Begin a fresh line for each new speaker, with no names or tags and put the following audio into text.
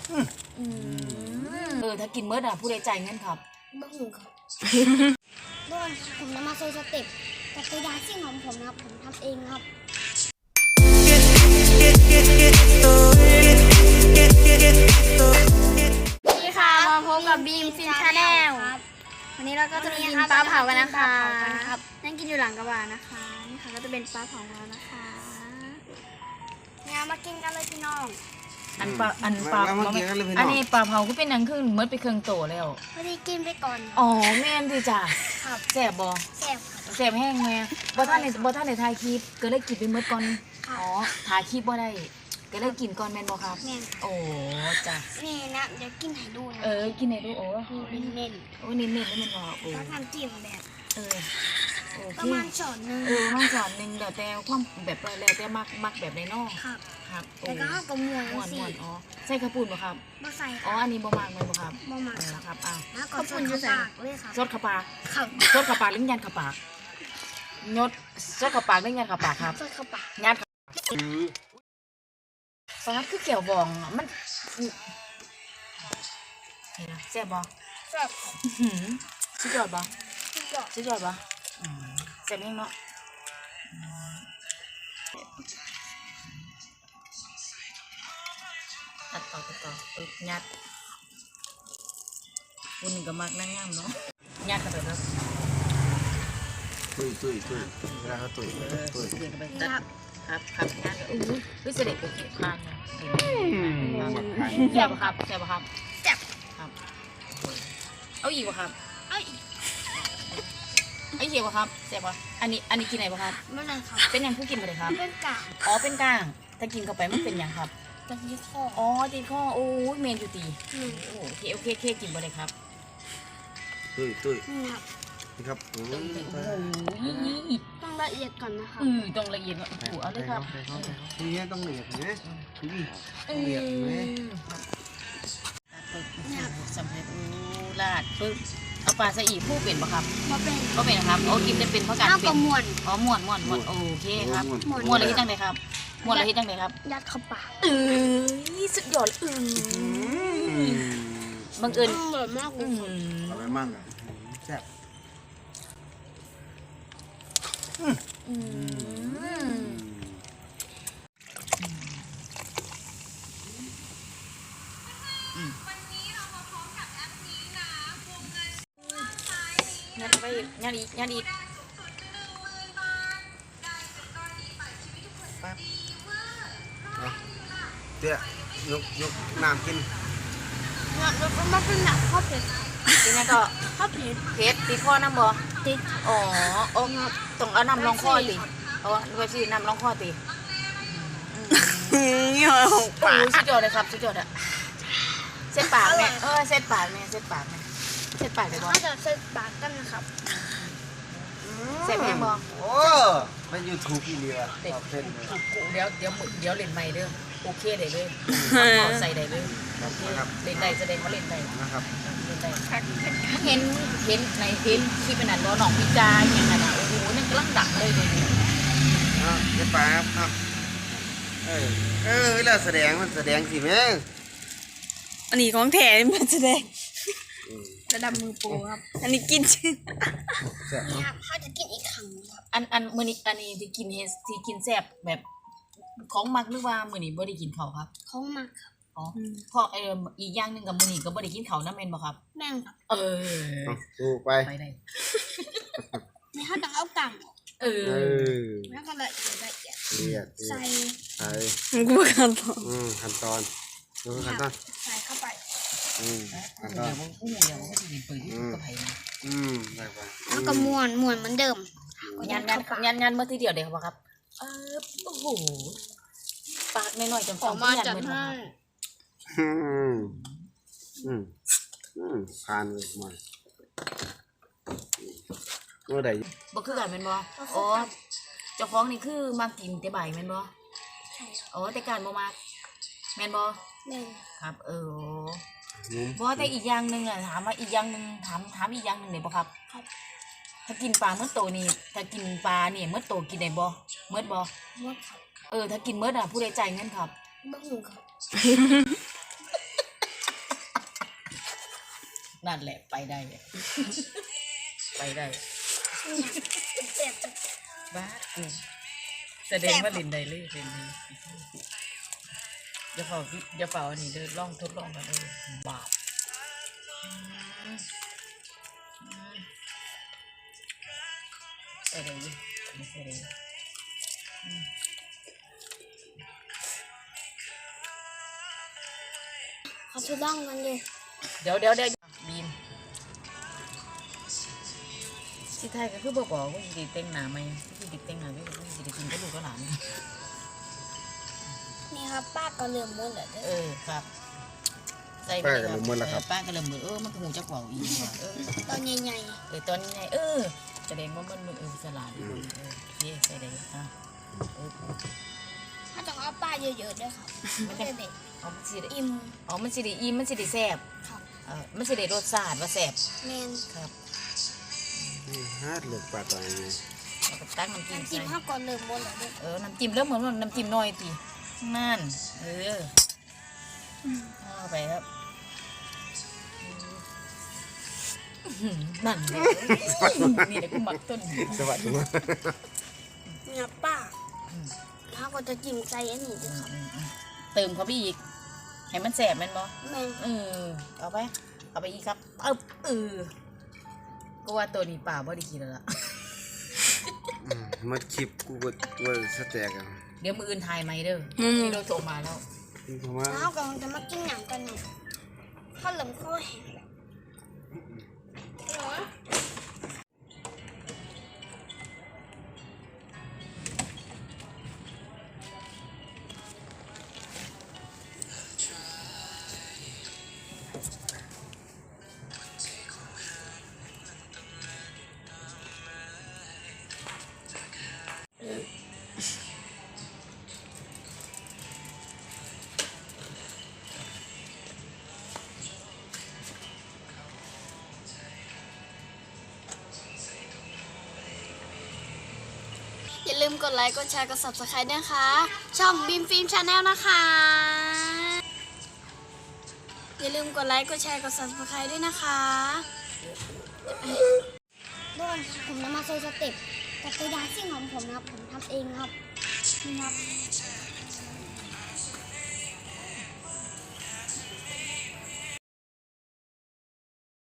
ถ้ากินเมื่อน่ะผู้ใดจ่ายเงินครับ
บ้าหูครับด้วยผมนำมาโซสเต็ปจักรยานซิ่งของผมนะครับผมทำเองครับสวัสดีค่ะมาพบกับบีมฟินชาแนลวันนี้เราก็จะกินปลาเผากันนะคะนั่งกินอยู่หลังกระบะนะคะนี่ค่ะก็จะเป็นปลาเผาเรานะคะงั้นมากินกันเลยพี่น้อง
อันนี้ปลาเผาก็เป็นหนังขึ้นเมื่อไปเครื่องโตแล้ว
พอดีกินไปก่อน
อ๋อแม่นดีจ้ะ
ครับ
แซ่บบ่
แซ่บครับ
แซ่บแห้งแม่บ่ท่านในถ่ายคลิปก็เลยกินไปเมื่อก่อนอ๋อถ่ายคลิปบ่ได้ก็เลยกินก่อนแม่นบ่ครับ
แม่น
โอ้จ้ะ
นี่นะเดี๋ยวกินให้ดูนะ
กินให้ดูโอ้
เน้น
โอ้เน้นแล้วมันบ่โอ้
ต้องทำจิ้มแบบ
ประ
มาณช้อนนึง
ประมาณช้อนนึงแล้วแต่ความแบบแล้วแต่มักแบบในนอก
ครับแล้วก็เอากระมวลสิ
อ๋อใส่ข้าวปุ้นบ่ครับ
บ่ใส่
อ๋ออันนี้บ่มักมันบ่ครับ
บ่มัก
ครับ
ข้าวปุ้นอยู่ใส่เลยครับ
ซดข้าวปลาซดข้าวปลาลิ้นยันข้าวปลายดซดข้าวปลาลิ้นยันข้าวปลาครับ
ซดข้าวปลา
ยันสำหรับคือเกี่ยวบองมันนี่นะแซ่บบ่
แซ่บ
สุดยอดบ่สุดยอดบ่แซ่บยังเนาะตัดต่อยัดคุณก็มักนั่งย่ำเนาะยัดเข้าไปครับ
ตุ้ยเวลาเขาตุ้ย
เข้าไปตัดครับยัดวิเศษโอเคผ่านแซ่บครับ
แซ่บ
ครับเอาอีกบ่ครับ
เอาอีก
บ่ครับแซ่บบ่อันนี้กินไหนบ่ครับ
ไม่เลยครับ
เป็นยังผู้กินมาเลยครับ
เป็นกาง
อ๋อเป็นกางถ้ากินเข้าไปมันเป็นยังครับ
ติดข้อ
อ๋อติดข้อโอ้ยเมนอยู่ตีโอเคกินบ่เลยครับ
ตุ้ยนี่ครับ
โอ้โห
ต้องละเอียดก่อนนะคะ
ต้องละเอียดเอาเลยครับ
ทีนี้ต้องละเอียดนะละเอียด
สำเร็จลาดปึ๊บเอาปลาสะอีผู้เป็นปะครับ
บ่
เป็นครับโอ้กินจะเป็นเพราะการเป็น
ม้วน
อ๋อม้วนโอเคครับม้วนอะไรที่จังเลยครับม้วนอะไรที่จังเลยครับ
ยัดเข้าปาก
สุดยอดบังเอิญ
อร่อยมาก
อร่อยมากแซ่บ
ยัดอีก
ปั๊บเดี๋ยวยกน้ำกิน
แล้วมันเป็นหนักข้าวเผ็ด
กินยังก็
ข้าวเผ็ด
ติดข้อน้ำบ่
ติด
อ๋อต้องเอาน้ำรองข้อติเอาไว้สิน้ำรองข้อติ
เงี้ย
ปากสุดยอดเลยครับสุดยอดอะเส้นปากแม่เส้นปากเลยบ่
น่าจะเส้นปากกันนะครับ
เส้นแห้งบ่
โอ้มันอยู่ถูกอีเลียเส้น
เดี๋ยวเล่นใหม่เด้อโอเคได้เลยใส่ได้เลยโอเคเล่นได้แสดงว่าเล่นได้
นะครับ
เล่นได้เห็นในคลิปเป็นอันบ่น้องพิจารอย่างนั้นโอ้โหนี่กำลังดังเลย
เดี๋ยวป้าครับเวลาแสดงมันแสดงสิแม่
อันนี้ของแถมมันแสดง
ระดับมือโปรครับ
อันนี้กินชื่อ
เขาจะกินอีกครั้งครับ
อันมื้อนี้อันนี้ที่กินแซ่บแบบของมักหรือว่ามื้อนี้บ่ได้กินข้าวครับ
ของมักครับ
อ๋อเพราะอีกอย่างนึงกับมื้อนี้ก็บ่ได้กินข้าวนำแม่นบ่ครับ
แม่นครับ
ถูกไป
ได้
นี่เขาต้องเอากังแล้วก็ละเอียดใส่
กูขั้นตอน
ขั้นตอน
ใส่เข้าไป
ขั้นตอน
เดี๋ยวมันก็จะมีปืนที่กระไพ
ได้ไป
แล้วก็ม้วนเหมือนเดิม
ยันเมื่อทีเดียวเดียวครับโอ้โหปากน้อยๆจำๆ
มาจัดให้
ผ่านเลยมาเมื่อใด
บ่คือกันแม่นบ่อ๋อเจ้าของนี่คือมากินแต่บ่ายแม่นบ่
ใช่
อ๋อแต่การบ่มาแม่นบ่
แม่น
ครับบ่แต่อีกอย่างนึงอ่ะถามว่าอีกอย่างนึงถามอีกอย่างนึงได้บ่ครับถ้ากินปลาเมื่อโตนี่ถ้ากินปลานี่เมื่อโตกินได้บ่เมื่อบ่
เมื่อครับ
ถ้ากินเมื่อน่ะผู้ใดจ่ายเงินครับ
บ้าหูครับ
นั่นแหละไปได้ไปได้
เจ็บ
บ้ากูแสดงว่าลินได้เลยเป็นเลยอย่าเฝ้าอันนี้เดินล่องทดลองกันเลยบาปใส่ได้ยิไม่ใส่ได้
เขาจะต้องกันดิ
เดี๋ยวบีมที่ไทยก็คือบอกว่าสิได้แต่งหน้าไหมสิได้แต่งหน้าไม่สิได้กินก็ลูกก็หลาน
นี่ครับป้าก็เริ่มมืดแล้วเด้อ
ครับใส่
ป้าก็เริ่มมึนแล้วครับ
ป้าก็เริ่มมึนมันก็หูจักเว่าอีกว่ะ
ตอนใหญ่
ตอนนี้ไงแสดงว่ามันสลาดอยู่เย่ใส่ได้อ่ะ
ๆถ้าต้องเอาป้าเยอะๆด้วยครับไม่ได้เด็ก
เอามันสิได้
อิ่ม
มันสิได้อิ่มมันสิได้แซ่บ
ครับ
มันสิได้รสชาติว่าแซ่บ
แมน
ครับ
ฮาดเลือกปลาตัวนี้
แล้วก็ตั้งน้ำจิ้ม
น้ำจิ้ม
ใส่
ข้าวก่อนเริ่มมืดแล้วเด้อ
น้ำจิ้มเริ่มเหมือนน้ำจิ้มน้อยทีนั่นเอาไปครับนั่นเลยนี่เดี๋ยวกูหมักต้น
สวัสดีครับ
เนี่ยป้าถ้าก็จะจิ้มใจอันนี้ด้วยครับ
เติมเขาไปอีกให้มันแสบแมันบ่
แมน
เอาไปอีกครับก็ว่าตัวนี้ป่าบ่ได้กินแล้วล่ะ
มาคลิปกูก็ว่าสแต็กอ่ะ
เดี๋ยวมืออื่นถ่ายไหมเด้อที่เราโทรมาแล้ว
เพราะว่า
แล้วก็จะมากินหนังกันเนี่ยข้าวเหลืองข้าวแห้งแล้ว อย่าลืมกดไลค์ กดแชร์ กด subscribe นะคะ ช่องบีมฟิล์มชาแนลนะคะ อย่าลืมกดไลค์ กดแชร์ กด subscribe ด้วยนะคะทุกคนผมจะมาโชว์สเต็ปจักรยานซิ่งของผมนะครับ ผมทำเองครับ นี่ครับ